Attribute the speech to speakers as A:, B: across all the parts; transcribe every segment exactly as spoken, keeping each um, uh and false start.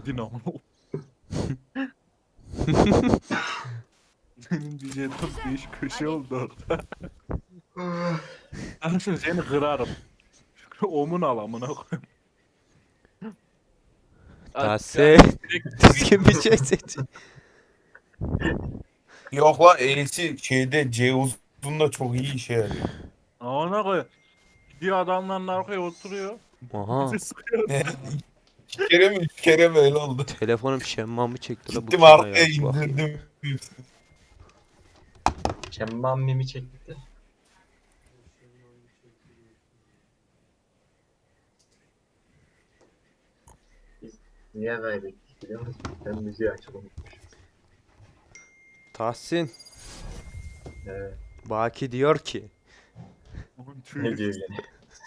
A: Dinamo. Senin bir jeton değiş köşe oldu orada. Anasını seni kırarım. Omun al amına koyayım.
B: Tahsin. Düzgün bir şey seç.
C: Yok la E'si şeyde C uzun çok iyi işe yarıyor.
A: Ona koy. Gidiyor adamların arkaya oturuyor.
B: Aha.
A: Bizi sıkıyor.
C: İki kere mi üç kere mi öyle oldu.
B: Telefonum şemmamı çekti la bu
C: Gittim
B: kim ya?
C: arkaya
B: Bak.
C: indirdim.
D: Şemmam mimi çekti. Biz niye kaybettik biliyor musun? Ben müziği açıp unutmuşum.
B: Tahsin.
D: Evet.
B: Baki diyor ki.
D: Ne diyor yine?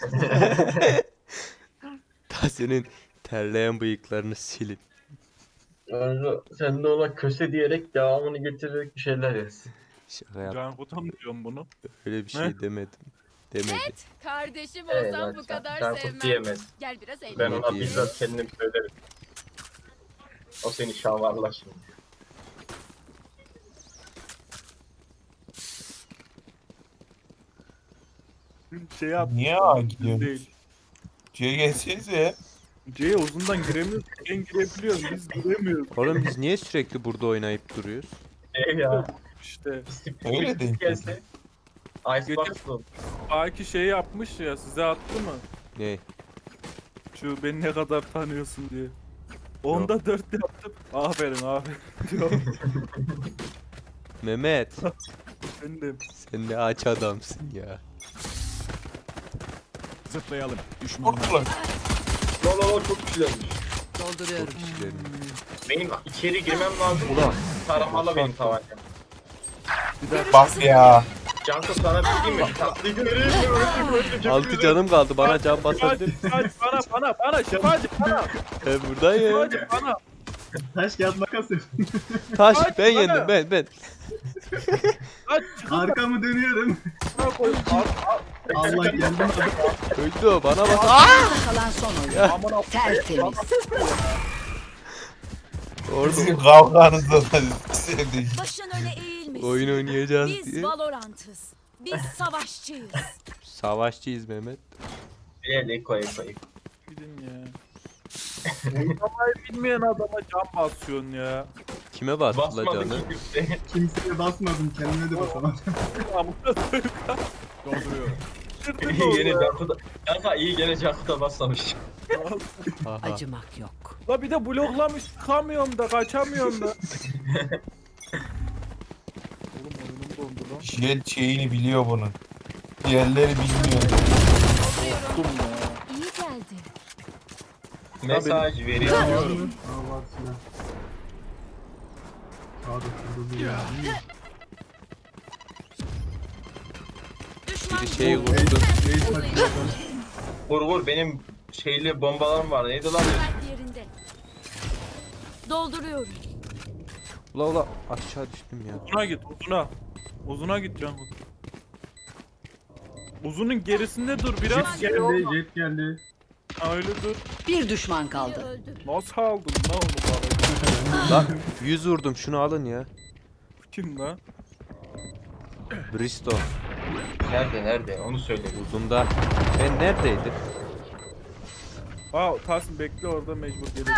B: Tahsin'in terleyen bıyıklarını silin.
D: Kanka sen de ona köse diyerek devamını getirerek bir şeyler yaz.
B: Şaka yap.
A: Can Kutan mı diyorum bunu?
B: Öyle bir şey
A: Ne?
B: demedim. Demedi.
E: Kardeşim
D: Evet,
E: olsam
D: ben
E: bu
D: Can-
E: kadar
D: Cankut
E: sevmem.
D: diyemez.
E: Gel biraz eğlenelim.
D: Ben
B: Ne
D: ona
B: diyor?
D: bizzat kendim söylerim. O seni şamarlar şimdi.
A: Şey yap.
C: Niye A gidiyorsun?
A: Değil.
C: C'ye gelsenize.
A: C'ye uzundan giremiyoruz. Ben girebiliyorum. Biz giremiyoruz.
B: Oğlum biz niye sürekli burada oynayıp duruyoruz?
D: Ev ya.
A: İşte.
C: Öyle değil.
D: Gelse. Icebox'lı.
A: Baki şey yapmış ya, size attı mı?
B: Ne?
A: Şu beni ne kadar tanıyorsun diye. Onda dört yaptım. Aferin aferin diyor.
B: Mehmet.
A: Ben de
B: Sen ne aç adamsın ya.
F: Zıplayalım. Düşman.
C: Korktular.
D: Lo lo lo çok güzelmiş.
E: Dolduruyorum.
B: İşlerim.
D: Benim içeri girmem lazım.
B: Ulan.
D: Taramalı benim tabancam.
C: Bak ya.
D: Canko sana bir şey mi? Tatlıyı göreyim mi? Öldüm öldüm. çok
B: Altı
D: güzel.
B: canım kaldı. Bana can
A: Şifacı,
B: basabilir.
A: şifacı bana bana bana şifacı bana.
B: Ben buradayım.
A: Şifacı bana.
G: Taş kağıt makas yap.
B: Taş
A: Kaç
B: ben
A: bana.
B: yendim ben ben.
A: Kaç çıkın
G: Arkamı dönüyorum.
A: bana koy.
G: Allah geldim.
B: Öldü o bana bas.
E: Kalan son oyun.
A: Amına
E: Tertemiz.
B: Orada
C: Sizin kavganızda da sevdim.
E: Başın öne eğilmiş.
B: oyun oynayacağız
E: Biz
B: diye.
E: Valorant'ız. Biz savaşçıyız.
B: Savaşçıyız Mehmet.
D: Ele koy koy.
A: gidin ya. Oynamayı bilmeyen adama can basıyorsun ya.
B: Kime bastı la
D: Basmadı
B: canı?
D: ki kimse.
G: Kimseye basmadım. Kendime de basamadım.
A: Amına koyayım.
F: Dolduruyorum.
A: Kırdın
D: İyi gene
A: orada.
D: Canko da. Kanka iyi gene Canko da basmamış.
B: Aha.
E: Acımak yok.
A: La bir de bloklamış çıkamıyorum da kaçamıyorum da. Oğlum oyunum dondu lan.
C: Jet şeyini biliyor bunun. Diğerleri bilmiyor.
A: Korktum ya.
E: İyi geldi.
D: Mesaj veriyor.
G: Aa var silah. Sağda şurada bir yer.
E: Düşman
B: Bir şey vurdu.
G: Reis maçı yapalım.
D: Vur vur benim şeyli bombalarım var. Neydi lan?
E: kalp yerinde. Dolduruyorum.
B: Ula ula aşağı düştüm ya.
A: Uzuna git uzuna. Uzuna git Can. Uzunun gerisinde dur biraz. Şey
G: Geldi,
A: olma.
G: jet geldi.
A: Ha, öyle dur.
E: Bir düşman kaldı. Öldü.
A: Nasıl aldın lan onu bana?
B: Lan yüz vurdum şunu alın ya.
A: Kim lan?
B: Bristo
D: Nerede nerede? Onu söyle.
B: uzunda. Ben neredeydim?
A: Aa Tahsin bekle orada mecbur gelir.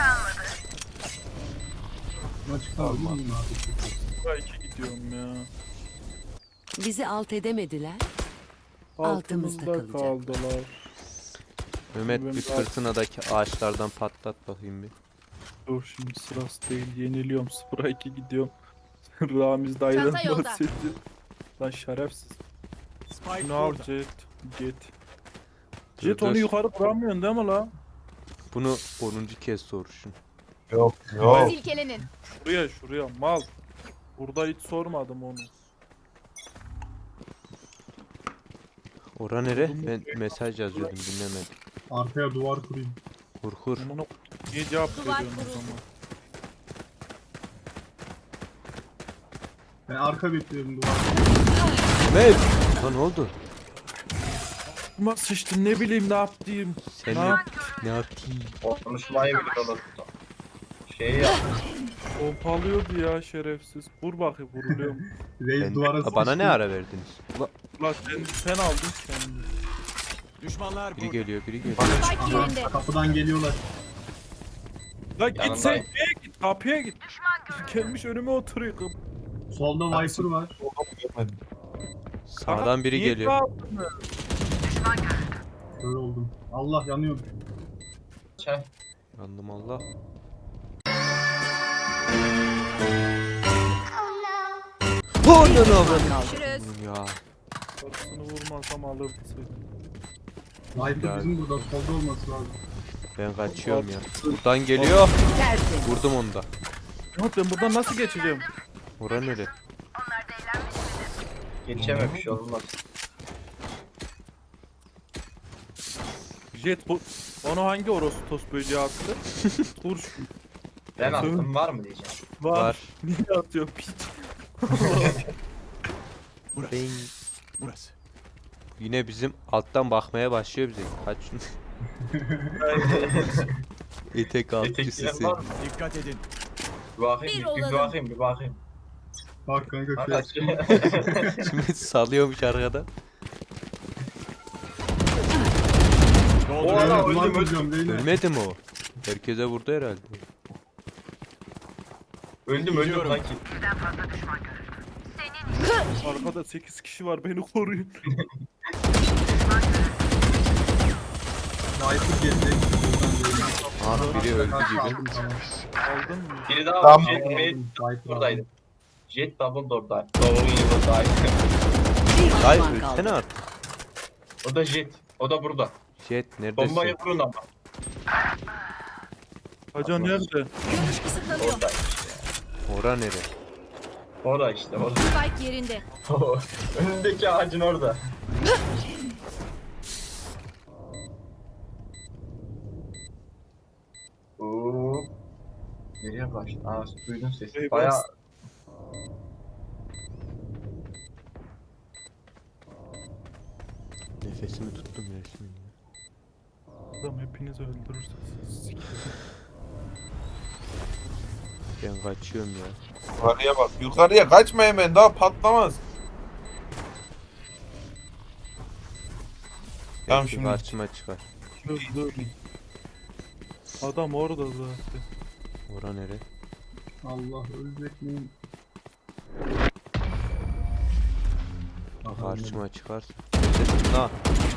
G: Maçı kaldı mı abi?
A: Buraya iki gidiyorum ya.
E: Bizi alt edemediler. Altımızda
A: Altımızda
E: kalacak.
A: kaldılar.
B: Mehmet
A: Ben
B: bir
A: daha-
B: fırtınadaki ağaçlardan patlat bakayım bir.
A: Dur şimdi sırası değil. Yeniliyorum. sıfıra iki gidiyorum. Ramiz dayıdan
E: Çanta yolda.
A: bahsediyor. Lan şerefsiz.
F: Spike
A: Bunu al
F: burada.
A: Jet. Jet.
B: Dur,
A: Jet onu
B: dur.
A: yukarı vuramıyorsun değil mi la?
B: Bunu onuncu kez soruşun.
C: Yok yok.
E: Silkelenin.
A: Şuraya şuraya mal. Burada hiç sormadım onu.
B: Ora nere? Ben mesaj yazıyordum dinlemedim.
G: Arkaya duvar kurayım.
B: Kur kur.
A: Onu niye cevap
E: Duvar
A: veriyorsun o
E: kuruldu.
A: zaman?
G: Ben arka bekliyorum duvar.
B: Mehmet! Lan ne oldu?
A: Ama sıçtın ne bileyim ne yaptım.
B: Sen
A: Ne
B: ne,
A: yap-
B: ne yaptın?
D: Konuşmayı bile unuttum. Şey ya.
A: Pompalıyordu ya şerefsiz. Vur bakayım vuruluyor mu?
G: Reis
B: Ben,
G: duvara
B: Aa, bana
G: sıçtı.
B: ne ara verdiniz? Ula,
A: Ulan sen, sen aldın kendini.
F: Düşmanlar
B: biri
F: burada.
B: geliyor biri geliyor.
G: Aha, kapıdan geliyorlar.
A: Lan git sen
D: Yanındayım.
A: şeye git kapıya git. Gelmiş önüme oturuyor. Kap-
G: Solda Viper var.
C: Görmedim.
B: Sağdan biri
A: Niye
B: geliyor.
A: kaldın mı?
G: Kör oldum. Allah yanıyor.
D: Şey.
B: Yandım Allah. Oh no no
E: Görüşürüz.
B: ya.
A: Karısını vurmasam alırdı seni.
G: Viper
B: Ya.
G: bizim burada solda olması lazım.
B: Ben kaçıyorum ya. Buradan geliyor.
E: Tertemiz.
B: Vurdum onu da.
A: Ya ben buradan nasıl geçeceğim?
B: Ora nere?
D: Geçememiş olmaz.
A: Jet bu... Onu hangi orospu böceği attı? Turş.
D: Ben attım var mı diyeceğim.
A: Var.
B: Var.
A: Niye atıyor piç?
F: Burası.
B: Ben...
F: Burası.
B: Yine bizim alttan bakmaya başlıyor bize. Kaç Etek altçısı
D: Etekleyen
B: sen.
D: var mı?
F: Dikkat edin.
D: Bir bakayım,
E: Bir
D: bir, bir
E: olalım.
D: bakayım, bir bakayım.
G: Bak kanka
D: Kanka,
G: kör.
B: Şimdi salıyormuş arkada.
F: Dolduruyorum.
D: Oha,
G: Duvar
D: öldüm,
G: kuracağım Reyna.
B: Ölmedi mi o? Herkese vurdu herhalde.
D: öldüm, öldüm
F: Gidiyorum.
D: sanki.
A: Arkada sekiz kişi var beni koruyun.
G: Viper gelecek.
B: Ah biri öldü gibi.
G: Aldım, tamam.
A: Aldın mı?
D: Biri daha
C: Tamam.
D: Jet
G: Aldım,
D: Mate
G: Viper
D: buradaydı.
G: aldım.
D: Jet Double Door'daydı. Double Door'daydı.
E: Bir
B: Ay
E: düşman
B: ölsene
E: kaldı.
B: artık.
D: O da Jet. O da burada.
B: Jet neredesin?
D: Bombayı vurun ama.
A: Haca nerede?
E: Görüş kısıtlanıyor.
D: Oradaymış.
B: Ora nere?
D: Orada işte, orada.
E: Spike yerinde.
D: Önündeki ağacın orada. Oo. Nereye başladı? Aa, duydun sesi.
A: Hey,
D: Bayağı
A: bas.
B: Nefesimi tuttum resmen. ya.
A: Adam hepiniz öldürürse siz sikerim.
B: Ben kaçıyorum ya.
C: Yukarıya bak. Yukarıya kaçma hemen daha patlamaz. Tamam,
B: Belki
C: şimdi-
B: karşıma çıkar.
A: Dur dur. Adam orada zaten.
B: Ora nere?
G: Allah ölecek miyim? Aha,
B: Karşıma çıkarsa. Neredesin lan?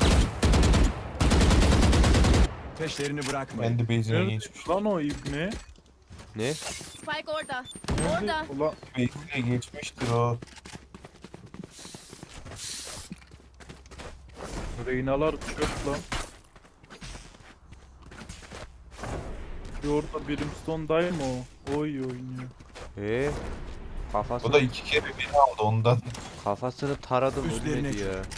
F: Peşlerini bırakmayın.
C: Ben de base'ine
A: Nerede
C: geçmiş.
A: lan o ibne?
B: Ne?
E: Spike orada.
A: Nerede?
E: Orada.
A: Ulan
C: Base'ine geçmiştir o.
A: Reynalar çöp lan. Bir orada Brimstone'dayım o. Oy oynuyor.
B: Ee? Kafasını,
C: O da iki kere beni aldı ondan.
B: kafasını taradım
F: Üstlerine
B: ölmedi ya.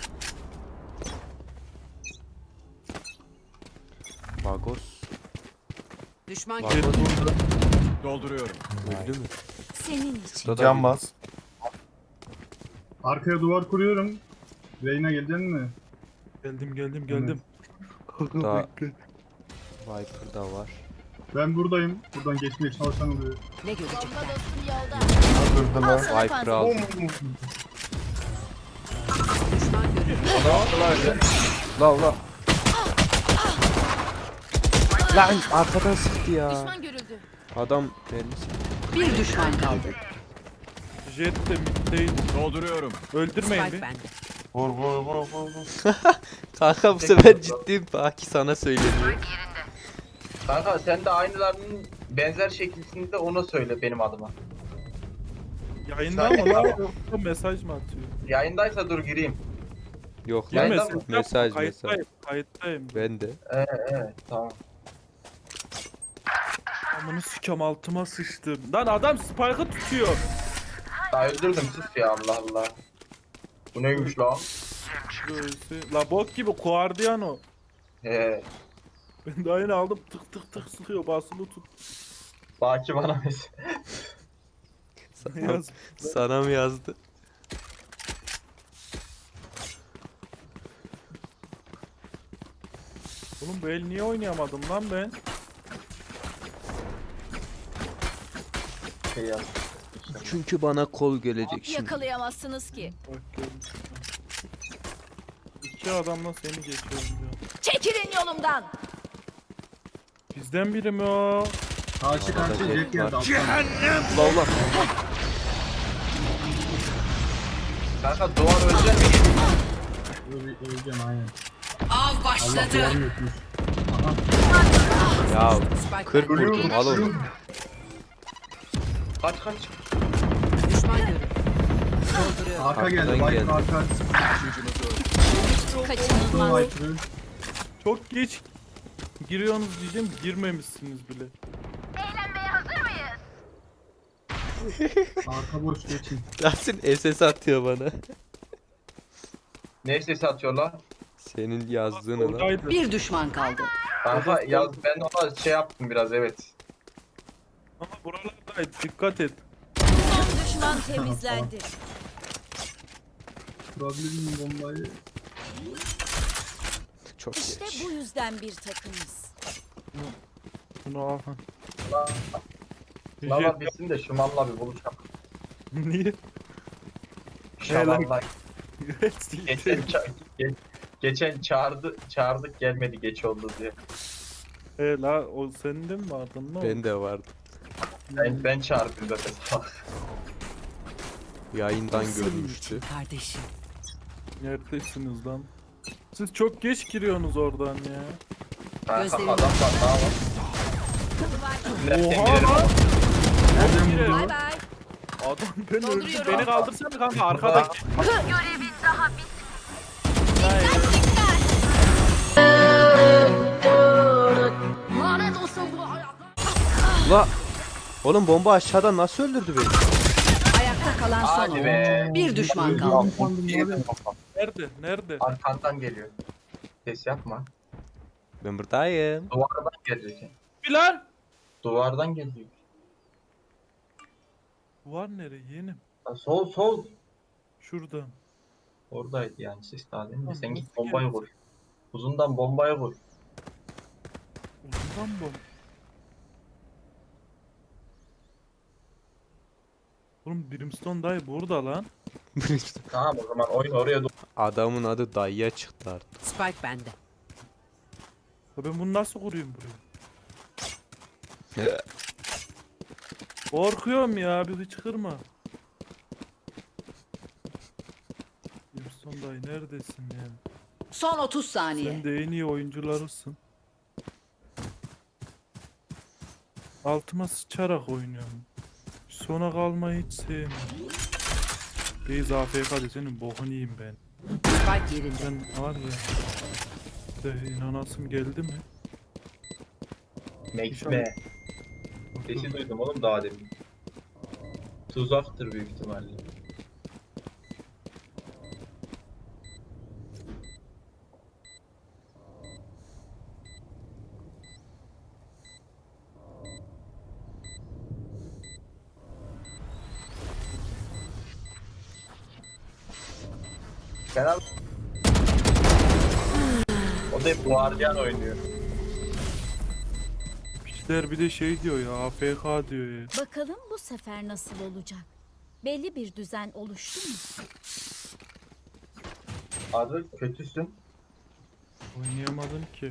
B: Bagos
E: Düşman
B: Bak.
A: Jet burada.
F: Dolduruyorum.
B: öldü mü?
E: senin için.
B: Burada da
C: Can
B: bir-
C: bas.
G: Arkaya duvar kuruyorum. Reyna gelecek mi?
A: Geldim geldim geldim. Kanka
B: Daha-
A: bekle.
B: Viper da var.
G: Ben buradayım. Buradan geçmeye çalışan oluyor.
E: Ne görecekler?
C: Öldürdüler.
B: Viper aldım.
E: Düşman görüldü.
D: Ne yaptılar öyle?
B: La ula. Lan arkadan sıktı ya.
E: Düşman görüldü.
B: Adam mermisi.
E: Bir düşman kaldı.
A: Jet de middeydi.
F: Dolduruyorum.
A: Öldürmeyin
E: Spike
A: bir.
E: bende.
C: Vur vur vur vur. vur.
B: Kanka bu sefer ciddiyim. Baki sana söyleniyor.
D: Kanka sen de aynılarının benzer şekilsinde ona söyle benim adıma.
A: Yayında mı lan? Yoksa mesaj mı atıyor?
D: Yayındaysa dur gireyim.
B: Yok
A: Ya
B: lan.
D: Yayında
A: mesaj,
D: mı?
B: Mesaj mesaj.
A: Kayıttayım. Kayıttayım.
B: Ben de.
D: Ee, evet tamam.
A: Amını sikam altıma sıçtım. Lan adam spike'ı tutuyor.
D: Daha öldürdüm sus ya Allah Allah. Bu neymiş lan?
A: Böylesi. La bok gibi Guardian o.
D: He.
A: Ben de aynı aldım tık tık tık sıkıyor basılı tut.
D: Baki bana mes.
B: Sana,
A: Yaz.
B: sana mı yazdı?
A: Oğlum bu el niye oynayamadım lan ben?
D: şey yaz.
B: Çünkü bana kol gelecek şimdi.
E: Yakalayamazsınız ki.
A: Bak gördüm. İki adamla seni geçiyorum ya.
E: Çekilin yolumdan.
A: Bizden biri mi o?
G: Karşı karşı
B: Jet
G: jet geldi
B: var.
G: alttan.
B: Ula ula.
D: Kanka duvar ölecek mi?
G: Öyle öleceğim aynen.
E: Av
G: Allah
E: başladı.
G: duvarını yutmuş. Aha.
B: Ya
E: Spike
B: kırk vurdum al onu.
D: Kaç kaç.
E: Düşman görüldü. Dolduruyorum.
G: Arka geldi.
B: Arkadan
G: Viper
B: geldi.
G: arka.
E: Kaçınılmaz.
G: Viper'ı.
A: Çok geç giriyorsunuz diyeceğim, girmemişsiniz bile.
G: Arka boş geçin.
B: Yasin S S atıyor bana.
D: Ne sesi atıyorlar?
B: Senin yazdığını lan.
A: Oradaydı.
E: Bir düşman kaldı.
D: Kanka yaz ben ona şey yaptım biraz evet.
A: Ama buralardaydı, dikkat et.
E: Son düşman temizlendi.
G: Kurabilir bombayı?
B: Çok
E: İşte
B: geç.
E: bu yüzden bir takımız.
A: Bunu al.
D: Sınavlar bitsin de şu malla bir buluşalım.
A: Niye?
D: Şamanlar. Geçen, ça ge geçen çağırdı, çağırdık gelmedi geç oldu diye.
A: He la, o senin de mi vardın? Ne oldu?
B: Ben de vardı.
D: Ben, ben çağırdım zaten.
B: Yayından görmüştü.
E: Kardeşim.
A: Neredesiniz lan? Siz çok geç giriyorsunuz oradan ya.
D: Kanka
E: Gözlerim-
D: adam var daha var. Nereden
A: Oha
D: girerim?
A: lan!
G: Nereden
A: Girerim.
G: vurdu?
E: Bay bay.
A: Adam ben öldüm.
E: Dolduruyorum.
A: Beni kaldırsana kanka arkadaki.
B: Ula. Oğlum bomba aşağıdan nasıl öldürdü beni?
E: Ayakta kalan son
D: Hadi
E: oyuncu.
D: be.
E: Bir düşman kaldı.
D: Yedim kafa.
A: Nerede? Nerede?
D: Arkandan geliyor. Ses yapma.
B: Ben buradayım.
D: Duvardan gelecek.
A: Bilal!
D: Duvardan geliyor.
A: Var nereye yeğenim?
D: Ha, sol sol.
A: Şuradan.
D: Oradaydı yani ses daha değil mi?
A: Tamam,
D: Sen git
A: nasıl
D: bombayı
A: geldi?
D: vur. Uzundan bombayı vur.
A: Uzundan bu. Oğlum Brimstone dayı burada lan.
D: Tamam o zaman oyun oraya dur.
B: Adamın adı dayıya çıktı artık.
E: Spike bende.
A: Ya ben bunu nasıl kurayım buraya? Korkuyorum ya, bizi çıkırma. Brimstone dayı neredesin ya?
E: Son otuz saniye.
A: Sen de en iyi oyuncularısın. Altıma sıçarak oynuyorum. Sona kalmayı hiç sevmiyorum. Reis A F K'de senin bokunu yiyeyim ben.
E: Spike yerinde.
A: Ben var ya. De inanasım geldi mi?
D: Mekme. Sesi duydum oğlum daha demin. Tuzaktır büyük ihtimalle. Kenan o da hep guardiyan oynuyor.
A: Piçler bir de şey diyor ya, A F K diyor ya.
H: Bakalım bu sefer nasıl olacak? Belli bir düzen oluştu mu?
D: Abi kötüsün.
A: Oynayamadım ki.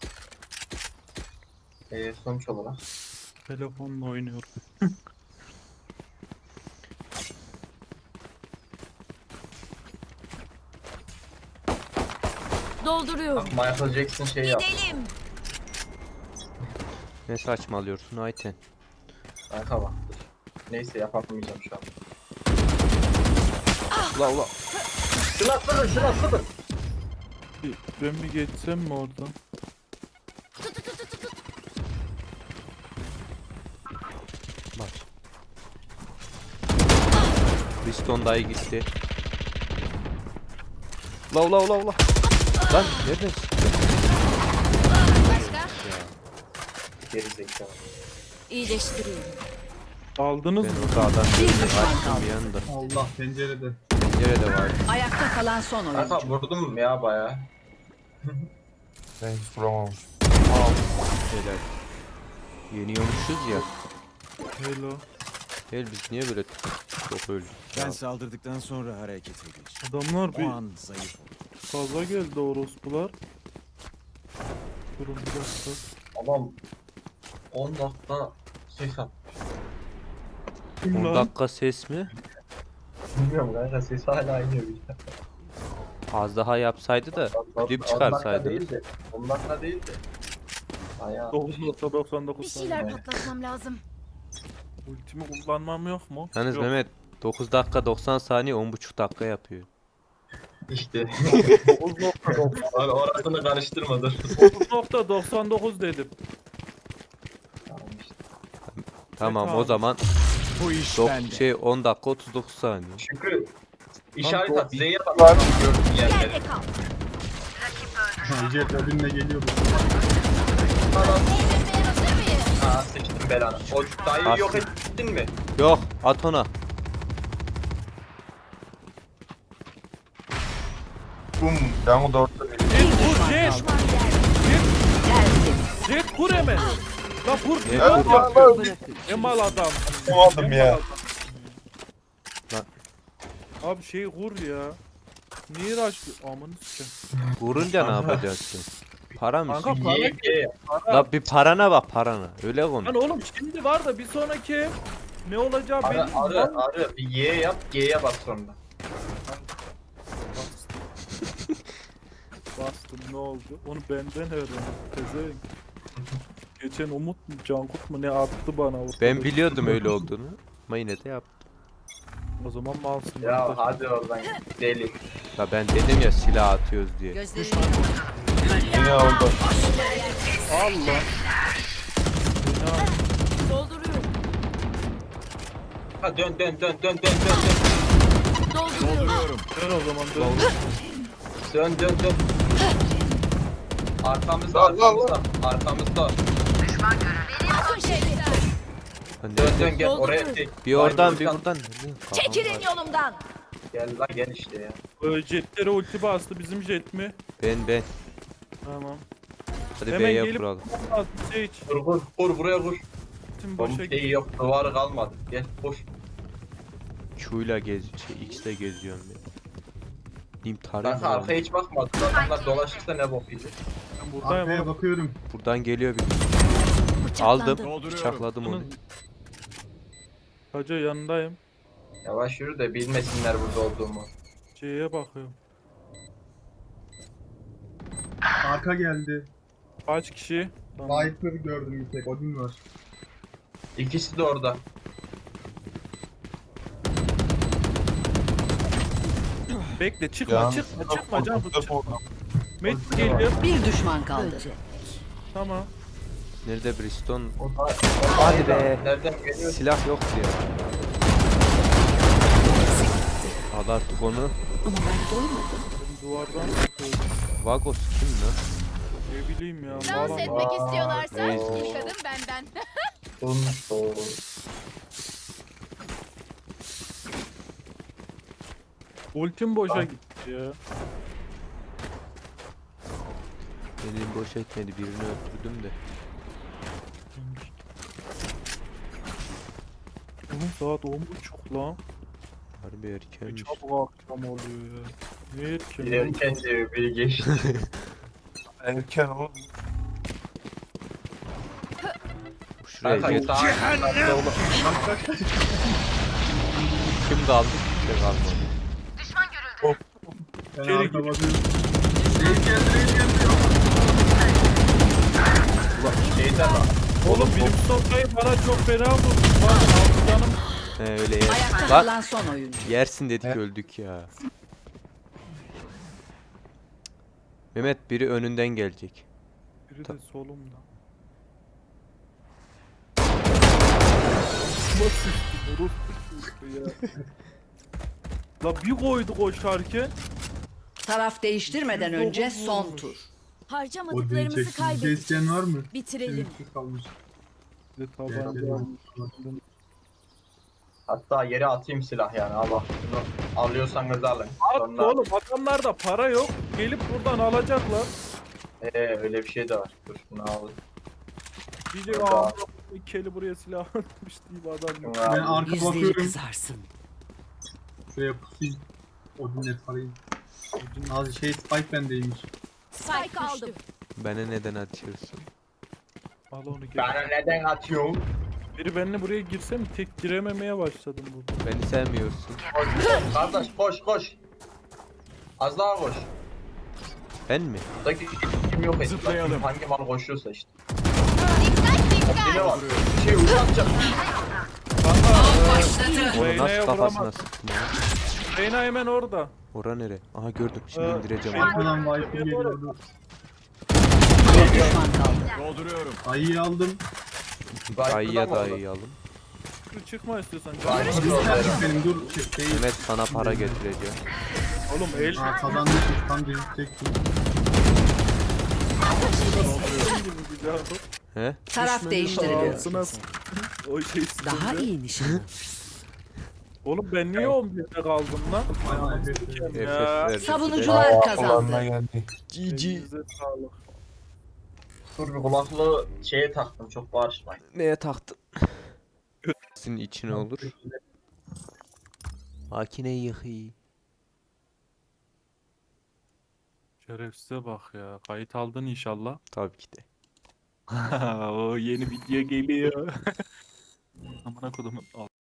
D: Ee, sonuç olarak.
A: Telefonla oynuyorum.
H: Dolduruyorum.
D: Michael Jackson şey yap.
H: Gidelim.
B: Ne saçmalıyorsun Ayten?
D: Kanka bak. Neyse yapamayacağım şu an.
B: Ula ula.
D: Şunu atsana şunu atsana.
A: Bir- Ben bir geçsem mi oradan?
B: Bak. Piston dayı gitti. Ula ula ula ula. Lan neredesin?
H: Başka?
D: Geri zekalı.
H: İyileştiriyorum.
A: Aldınız
B: Ben
A: mı?
B: orada adam
E: Bir
B: gördüm.
E: düşman
B: Açtım
E: kaldı.
B: bir anda.
G: Allah pencerede.
B: Pencerede var.
E: Ayakta kalan son oyuncu.
D: Kanka vurdum ya baya.
C: Ben hiç vuramamış.
B: Helal. Yeniyormuşuz ya.
A: Hello.
B: Gel biz niye böyle çok öldük?
F: Ben
B: ya?
F: saldırdıktan sonra harekete geç.
A: Adamlar
F: O
A: bir
F: an zayıf ol.
A: fazla geldi orospular. Durun bir dakika.
D: Adam on dakika ses at.
A: Kim
B: on
A: lan?
B: dakika ses mi?
D: Bilmiyorum kanka ses hala iniyor bir de.
B: Az daha yapsaydı da klip
D: on
B: çıkarsaydınız.
D: dakika değil de. on dakika değil de. Bayağı.
A: dokuz nokta doksan
H: Bir
A: dokuz
H: şeyler
A: saniye.
H: patlatmam lazım.
A: Ultimi kullanmam yok mu?
B: Yalnız
A: Yok.
B: Mehmet dokuz dakika doksan saniye on buçuk dakika yapıyor.
D: İşte.
A: dokuz nokta doksan
D: Abi orasını karıştırma dur.
A: dokuz nokta doksan dokuz dedim.
D: Tamam işte.
B: Tamam o
A: abi.
B: zaman
F: Bu iş
B: dok-
F: bende.
B: şey on dakika otuz dokuz saniye.
D: Şükrü. İşaret
A: Lan,
D: at. Z'ye bak.
C: Var.
D: Gördüğün yerleri.
H: Yerde kal.
G: Ha, Jet önüne geliyordu.
H: Eğlenmeye hazır mıyız?
D: Aa seçtim belanı. O dayıyı yok ettin mi?
B: Yok at ona.
C: Bum. Ben de ortada bir.
A: Jet vur jet.
H: Düşman yerde.
E: Tertemiz.
A: Jet vur hemen. La vur.
B: Ne
A: Ne
B: vur?
A: yapıyorsun? Emal adam.
C: Yapamadım
A: Emal
C: ya.
A: adam.
B: Lan.
A: Abi şey vur ya. Niye raşlı? Amanı sikeyim.
B: Vurunca ne yapacaksın? Para mı?
A: Kanka
B: istiyorsun?
A: para
D: Ye ye.
B: La bir parana bak parana. Öyle konuş.
A: Lan oğlum şimdi var da bir sonraki ne olacağı belli
D: Arı
A: mi
D: arı
A: lan?
D: arı. Bir Y yap. G'ye bas sonra.
A: Bastım ne oldu? Onu benden öğrendim. Tezeyin. Geçen Umut mu Cankut mu ne attı bana ortada.
B: Ben biliyordum öyle olduğunu. Ama yine de yaptım.
A: O zaman malsın.
D: Ya
A: arkadaş.
D: hadi oradan deli.
B: La ben dedim ya silah atıyoruz diye.
E: Gözlerini
C: Yine oldu.
A: Allah. Ya,
H: Dolduruyorum.
D: Ha dön dön dön dön dön dön dön.
H: Dolduruyorum.
F: Dolduruyorum.
A: dön o zaman dön.
D: Dön dön dön. Arkamızda
C: Lan, lan,
D: arkamızda. Arkamızda.
H: Bakın şeyler.
B: Lan
D: Dön
B: nerede?
D: dön gel oraya
H: Dolduruyorum.
D: çek.
B: Bir oradan bir
D: Vay,
B: buradan. Nerede?
H: Çekilin
B: Kafam var.
H: yolumdan.
D: Gel lan gel işte ya.
A: Ee, Jetlere ulti bastı bizim jet mi?
B: Ben ben.
A: Tamam.
B: Hadi
A: Hemen
B: B'ye
A: gelip-
B: kuralım.
A: Bastı Sage.
D: Vur vur vur buraya vur.
A: Ultim
D: Bomba
A: boşa gitti.
D: şeyi yok duvarı kalmadı. Gel koş.
B: Q'yla gez, şey X'le geziyorum ben. Diyeyim tarayayım
D: Kanka
B: mı?
D: arkaya hiç bakmadı. Adamlar dolaşırsa ne bok yiyecek.
A: Ben buradayım
G: Arkaya
A: oğlum.
G: bakıyorum.
B: Buradan geliyor bir.
H: Bıçaklandı.
B: Aldım.
F: Dolduruyorum.
B: Bıçakladım onu.
A: Hacı yanındayım.
D: Yavaş yürü de bilmesinler burada olduğumu.
A: C'ye bakıyorum.
G: Arka geldi.
A: Kaç kişi? Tamam.
G: Viper gördüm bir tek. Odin var.
D: İkisi de orada.
A: Bekle çıkma
C: Can-
A: çıkma çıkma can
C: Ortada
A: çıkma.
C: oldu.
A: Met geliyor.
E: bir düşman kaldı.
A: Tamam.
B: Nerede Briston?
D: O da,
B: Hadi be.
D: Nereden geliyor?
B: Silah yoktu ya. Al artık onu.
A: Ben duvardan bakıyorum.
B: Vagos kim lan?
A: Ne bileyim ya.
H: Dans
A: Mağara-
H: etmek istiyorlarsa
B: Reis.
H: ilk adım benden.
A: Ultim boşa gitti ya.
B: Benim boş etmedi birini öldürdüm de.
A: Oğlum saat on buçuk lan.
B: Harbi
A: Ne
B: erkenmiş.
A: çabuk akşam oluyor ya. Ne erken?
D: Biri erken diyor, biri geçti.
C: Erken oğlum.
B: Şuraya
D: Kanka
B: gel.
D: daha
B: Kim kaldı? Kimse kalmadı.
G: Ben
A: İçeri
G: arka
A: gir.
G: bakıyorum.
D: şeyden lan.
A: Oğlum bilim sokayı bana çok fena vurdu. Var altı canım.
B: He öyle yer.
E: Ayakta
B: Lan
E: kalan son oyuncu.
B: yersin dedik öldük ya. Mehmet biri önünden gelecek.
A: Biri de solumda. Nasıl ya? La bir koydu koşarken.
E: Taraf değiştirmeden önce son tur.
G: Odin'i
H: Harcamadıklarımızı
G: çektim. Bir
H: kaybettik.
G: isteyen var mı?
H: Bitirelim.
G: Üstü kalmış.
A: Bir de tabanca
G: Gel,
A: almış.
D: Hatta yere atayım silah yani Allah. Bunu alıyorsanız alın.
A: At
D: Sonra
A: oğlum adamlarda para yok. Gelip buradan alacaklar.
D: ee, öyle bir şey de var. Dur şunu al.
A: Diyecek
D: Orada.
A: aa Keli buraya silah atmış deyip adam.
G: Ben arka
E: Yüzleri
G: bakıyorum.
E: kızarsın.
G: Şuraya pusayım. Odin'le tarayayım. Az şey Spike bendeymiş.
H: Spike aldım.
B: Bana neden atıyorsun?
A: Al onu gel.
D: Bana neden atıyorsun?
A: Biri benimle buraya girse mi tek girememeye başladım burada.
B: Beni sevmiyorsun.
D: Koş, kardeş koş koş. Az daha koş.
B: Ben mi?
D: Buradaki kim yok etti.
F: Zıplayalım.
D: Hangi mal koşuyorsa işte. Ne var? Bir şey uzatacak.
B: Onu
A: Reyna'ya
B: nasıl kafasına
A: vuramaz.
B: sıktın ya?
A: Reyna hemen orada.
B: Ora nere? Aha gördüm. Şimdi
A: Ee,
B: indireceğim
A: şey-
B: onu.
G: Arkadan Viper geliyordu.
E: Bir düşman kaldı.
F: Dolduruyorum.
G: Ayıyı aldım.
B: Ayıya da ayı alın.
A: Dur, çıkma istiyorsan.
D: Viper
G: Dur
D: da orada.
G: kardeşim benim dur. Şey, şey.
B: Mehmet sana para getireceğim.
A: Oğlum el
G: Aa kazandık. Tam gözükecektim.
B: He?
E: Taraf değiştiriliyor.
A: Ağzına s- o şey
E: Daha
A: sıkıntı.
E: iyi nişan.
A: Oğlum ben niye on birde kaldım lan?
G: Ay, evet.
A: Sikem
B: F
A: ya.
B: F verdi.
E: Savunucular
C: Aa,
E: kazandı.
C: kulağına geldi.
B: G G.
A: Elinize sağlık.
D: Dur bir kulaklığı şeye taktım çok bağırışmayın.
B: Neye taktın? Senin içine olur. Makine yıkı.
A: Şerefsize bak ya. Kayıt aldın inşallah.
B: Tabii ki de.
A: o yeni video geliyor. Amına kodumun